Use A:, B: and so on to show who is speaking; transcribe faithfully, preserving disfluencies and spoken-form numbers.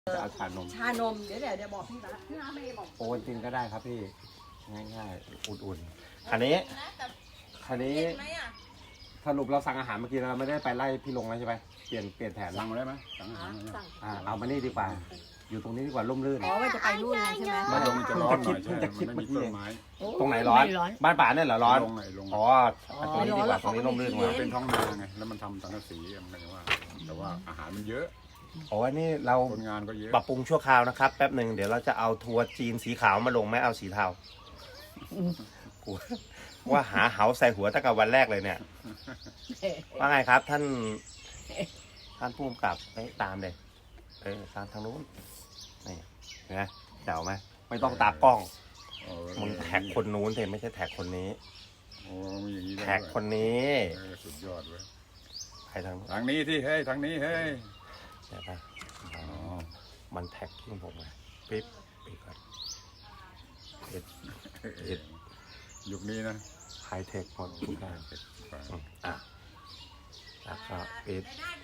A: จะเอาชานม
B: ชานมเดี๋ยวเดี๋ยวเดี๋ยวบอกพี่นะพี่นะไม่บอก
A: โอนจริงก็ได้ครับพี่ง่ายๆอุ่นๆคันนี้คันนี้สรุปเราสั่งอาหารเมื่อกี้เราไม่ได้ไปไล่พี่ลงแล้วใช่ไหมเปลี่ยนเปลี่ยนแผน
C: สั่งมาได้ไหมสั่งอาหารมาได้ไหม
A: อ่าเอามานี่ดีกว่าอยู่ตรงนี้ดีกว่าร่มรื่น
B: อ๋อว่าจะไปนู่นเลยใช่ไหม
C: ไม่ลงมันจะร้อนหน่อย
A: เพิ่
C: ใช่
A: งจะคิด
C: มัน
A: เมื่
C: ไม่
A: อ
C: มี
A: กี้
C: ต้นไม้
A: ตรงไหนร้อนบ้านป่าเนี่ยเหรอร้อน
C: ลงไหนลง
A: อ๋อตรงนี้ดีกว่าตรงนี้ร่มรื่นกว่า
C: เป็นท้องนาไงแล้วมันทำสังกะสีมันก็ว่าแต่ว่าอาหารมันเยอะ
A: โอ้ยนี่เรา
C: คนงานก็เยอะ
A: ปรับปรุงชั่วคราวนะครับแป๊บหนึ่งเดี๋ยวเราจะเอาทัวร์จีนสีขาวมาลงไม่เอาสีเทากูว่าหาเหาใส่หัวตั้งแต่วันแรกเลยเนี่ยว่าไงครับท่านท่านผู้กำกับไปตามเลยเออตามทางนู้นนี่เห็นไหมเจ๋วไหมไม่ต้องตากล้อง
C: เออ
A: มึงแท็กคนนู้นเถอะไม่ใช่แท็กคนนี้
C: โอ้มีอย่างนี้ด้วย
A: แท็กคนนี้
C: เออสุดยอดเว้ย
A: ไปทางนู้น
C: ทางนี้ที่เฮ้ยทางนี้เฮ้ย
A: เดี๋ยวไปอ๋อมันแท็กที่ผมไงปิ๊บปิ๊บก่อนเอ็ดเอ็ด
C: ยุคนี้นะ
A: ไฮเทคหมดทุกอย่างอืมอ่ะแล้วก็ปิด
B: ได้